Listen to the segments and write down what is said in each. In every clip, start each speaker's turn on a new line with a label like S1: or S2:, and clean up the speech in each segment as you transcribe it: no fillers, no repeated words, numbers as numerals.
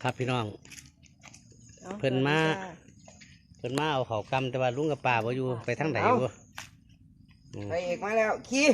S1: ครับพี่น้องเพิ่นมาเอาเขากำแต่ว่าลุงกับป้าบ่อยู่ไปทางไหนบ่
S2: ไปเอกมาแล้วขี้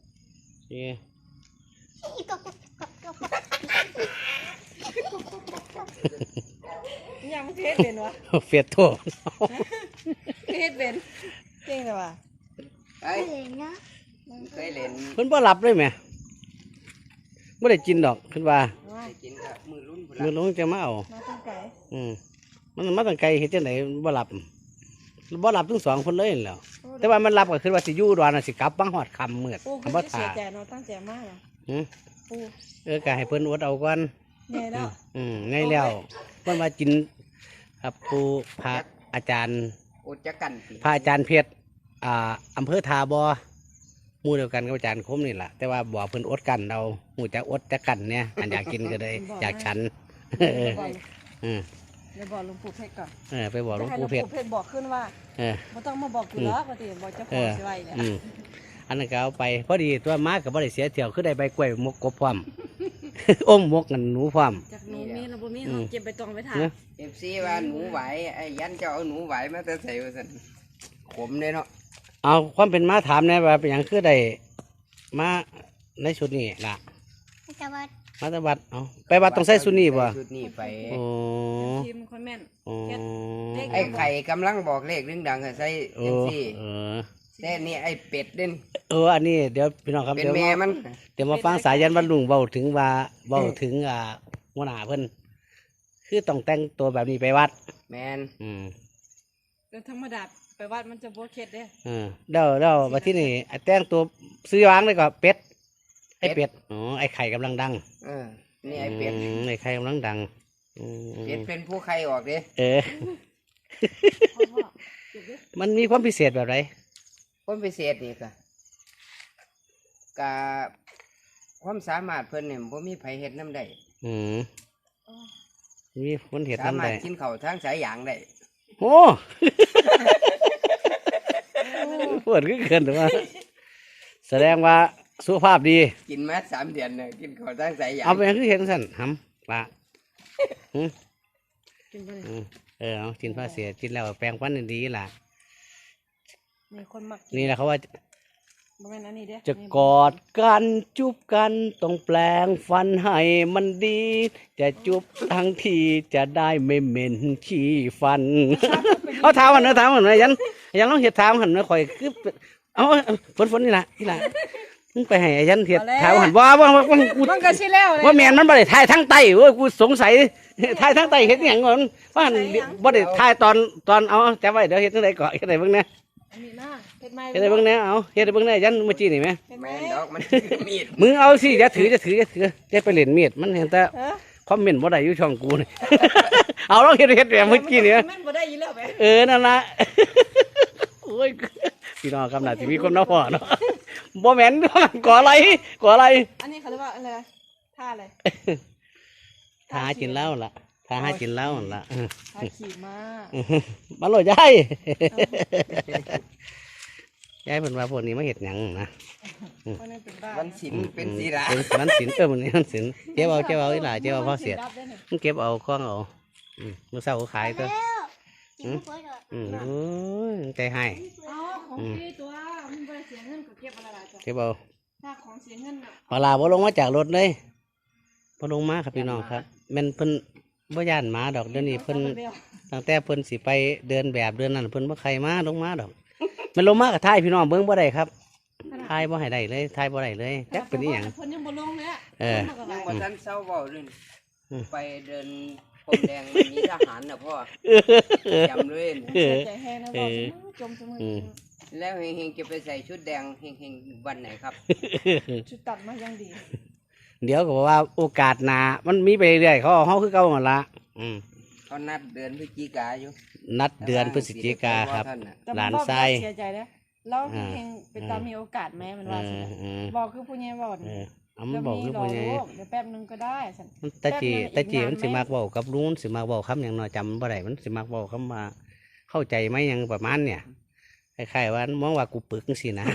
S3: ยังเทศเป็นวะ
S1: เฟียดโถ
S3: เทศเป็นเก่งเลยวะ
S2: ไปเคยเล่น
S1: เพิ่นบ่หลับเลยแหมบ่ได้กินดอกเพิ่นว่า
S2: กินกับมือลุ้น
S1: มือลุงจะมาเอา
S3: มาตั้งไก่
S1: มันมาตั้งไกลเฮ็ดจังได๋บ่หลับทั้งสองคนเลยนั่นแหล้วแต่ว่ามันหลับก็คือว่าสิอยู่ดอนน่ะสิกลับบังฮอดค่ำมืด
S3: คำบ่ท่าเสียใจเนาะตั้งใจมาก
S1: ก็ให้เพิ่นอดเอาก่อน
S3: ไงเนาะ
S1: ไงแล้วเพิ่นมากินครับปู่พระอาจารย์
S2: อดจักกัน
S1: พระอาจารย์เพชรอำเภอทาบ่หมู่เดียวกันกับอาจารย์คมนี่แหละแต่ว่าบ่เพิ่นอดกันเราหูจักอดจักกันเนี่ยอันอยากกินก็เลยอยากฉัน
S3: ไปบอกหลวงปู่เพชรก่อน
S1: ไปบอกหลวงปู่เพชร
S3: บอกขึ้นว่าไม่ต้องมาบอกกูแล้วปกติบอกเจ้าของสิไว้เนี่ย
S1: อันนั้นก็เอาไปพอดีตัวม้ากับบ่ได้เสียเที่ยวคือได้ใบกล้วยมกกบพร้อมอมมกกันหนูพร้อม
S3: จากหนูมีเราบ่มีเราเก็บไปตองไปถ่าย
S2: FC ว่าหนูไหวไอ้ยันจะเอาหนูไหวมาแต่ใส่ว่าซั่นขมเลยเนาะ
S1: เอาความเป็นม้าถามแน่ว่าเป็นหยังคือได้มาในชุดนี้ล่ะมาตะวัดเอาไปวัดต้องใส่ชุดนี้ป่ะ
S2: ชุดนี้ไป
S3: ทีมคนแม่น
S2: ไอ้ไข่กำลังบอกเลขดังๆใส่เอ็มซีแต่นี่ไอ้เป็ดเด่น
S1: อันนี้เดี๋ยวพี่น้องครับ
S2: เป็นแม่มัน
S1: เดี๋ยวมาฟังสายันวันลุงเบาถึงหัวหน้าเพิ่นคือต้องแต่งตัวแบบนี้ไปวัด
S2: แมน
S3: แต่ธรรมดาไปวัดมันจะโบเค็ดเด้
S1: เดี๋ยวมาที่นี่แต่งตัวซื้อวางเลยก็เป็ดไอ้เป็ดไอ้ไข่กำลังดัง
S2: นี่ไอ้เป็ด
S1: ไอ้ไข่กำลังดัง
S2: เป็ดเป็นผู้ไข่ออกดิ
S1: มันมีความพิเศษแบบไร
S2: ความพิเศษนี่ค่ะกะความสามารถเพิ่นเนี่ยผมมีไผเฮ็ดน้ำได้
S1: มีคนเฮ็ดน้ำได้
S2: สามารถกินข้าวทางสายยางได้
S1: โอ้ปวดก็เกินหรือว่าแสดงว่าสุขภาพดี
S2: กินมา3 เดือนเนี่ยกินข้าวทางสายยาง
S1: เอาไปคือเห็นสั่นหำปลาเอากินผ้าเสียกินแล้วแปลงฟันดีล่ะนี่แหละเขาว่าจะกอดกันจุบกันต้องแปลงฟันให้มันดีจะจุบทั้งทีจะได้ไม่เหม็นขี้ฟันเอาเท้าหันเท้าหันยันลองเห็ดเท้าหันนะคอยคือเอาฝนนี่แหละมึงไปให้ยันเห็ดเท้าหันว่ากูว่าแมนมันบ่ได้ทายทั้งไตเว้ยกูสงสัยทายทั้งไตเห็ดอย่างก่อนว่าบ่ได้ทายตอนเอาจำไว้เดี๋ยวเห็ดทั้งไตก่อนเห็ดอะไรบ้างนะเฮ็ดได้เบิ่งแน่เอาเฮ็ดได้เบิ่งแน่ยันเมื่อกี้นี่ไหม
S2: แม่นดอกมันมีด
S1: มึงเอาสิอย่าถืออย่าไปเล่นมีดมันเห็นแต่คอมเมนต์บ่ได้อยู่ช่องกูนี่เอาลองเฮ็ดแบบเมื่อกี้นี่
S3: มันบ่ได้อยู่แล้วไป
S1: นั่นล่ะโอ้ยพี่น้องครับน่าสิมีคนน้าพ่อเนาะบ่แม่นก่ออะไร
S3: อันนี้เขาเรียกว่าอะไรท่าอะไร
S1: ท่ากินเหล้าล่ะท่าหากินเหล้าล่ะ
S3: ท่าขี่ม้า
S1: มาโหลดยายยายเพิ่นว่าพวกนี้มาเฮ็ดหยังนะ
S2: วันศิลเป็นศิลา
S1: วันศิลมันนี่วันศิลเก็บเอาอีหล่าเก็บเอาพอเสียมันเก็บเอาคล้องเอามื้อเช้าขายตัวใจให้
S3: ของพี่ตัวมันบ่ได้เสียเงินก็เก็บอะไรจ้ะ
S1: เก็บเอา
S3: ถ้าของเสียเงินน่ะ
S1: เวลาบ่ลงมาจากรถเลยบ่ลงมาครับพี่น้องครับแม่นเพิ่นบ่ย่านหมาดอกเดี๋ยวนี้เพิ่นตั้งแต่เพิ่นสิไปเดินแบบเดินนั่นเพิ่นบ่ใครมาลงมาดอกมันลงมากับท้ายพี่น้องเบิ่งบ่ได้ครับท้ายบ่ให้ได้เลยท้ายบ่ได้เลยจักเป็นอีหยัง
S3: เพิ่นยังบ่ลงเลย
S2: ยังบ่ทันเซาเว้าเลยไปเดินพรมแดงมีทหารน่ะพ่อจำเลย
S3: ใจแห้งนะบ่จมเสมอ
S2: แล้วเฮงๆจะไปใส่ชุดแดงเฮงๆวันไหนครับ
S3: ชุดตัดมายังดี
S1: เดี๋ยวก็บอกว่าโอกาสหน้ามันมีไปเรื่อยๆเขาคือเก่าหมดละ
S2: เขานัดเดือนพฤศจิกายน
S1: นัดเดือนพฤศจิกาครับหลานทราย
S3: เสียใจแล้วเราเฮงเป็นตามีโอกาสไหมมันว่าบอกคือผู้ใหญ่บอก
S1: มันบอกคือผู้ใหญ่
S3: เดี๋ยวแป๊บนึงก็ได้
S1: ตาจีมันสิมากบอกกับลุงสิมากบอกคำอย่างน้อยจำบ่ได้มันสิมากบอกคำมาเข้าใจไหมยังประมาณเนี่ยคล้ายๆว่ามองว่ากูปึกสินะ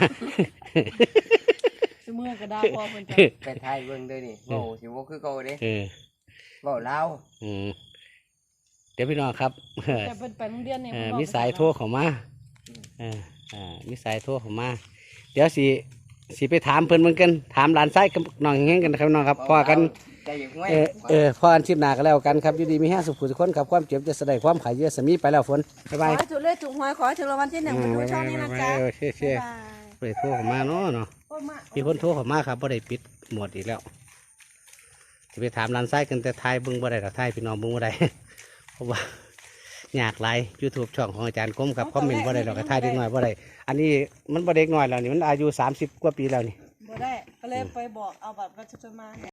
S3: เมื่อก็ได้พอเพิ่นจะ
S2: ไปถ่ายเบิ่งเด้อนี่โอ้สิบ่คือเก่าเด้เว้าลาว
S1: เดี๋ยวพี่น้องครับ
S3: แต่เป็นไปโรงเรียนเนี่ย
S1: มีสายโทรเข้ามามีสายโทรเข้ามา เดี๋ยวสิไปถามเพิ่นเหมือนกันถามหลานไส้กับน้องแห้งกันนะครับน้องครับพอกัน
S2: ใจอยู่ห้วย
S1: พอกันชิบหนากันแล้วกันครับอยู่ดีมีแห้งสุขสุขคนครับความเจ็บจะแสดงความขายเยอะสมีไปแล้วฝนบ๊ายบาย
S3: ขอให้ถูกเลขถูกหวยขอให้ถึงรางวัลที่1มาดูช่องนี้นะจ๊ะ
S1: เชี่ยเชี่ย
S3: บ๊ายบาย
S1: ไปโทรเข้ามาเนาะ
S3: โอ้ยมา
S1: มีคนโทรเข้ามาครับบ่ได้ปิดหมดอีกแล้วจะไปถามร้านไส้กันแต่ทายเบิ้งบ่ได้หรอกทายพี่น้องเบิ้งบ่ได้ เพราะว่าอยากไลฟ์ YouTube ช่องของอาจารย์ก้มครับคอมเมนต์บ่ได้หรอกทายเด็กน้อยบ่ได้อันนี้มันบ่เด็กน้อยแล้วนี่มันอายุ30 กว่าปีแล้วนี่
S3: บ่ได้ก็เลยไปบอกเอาบัตรประชาชนมา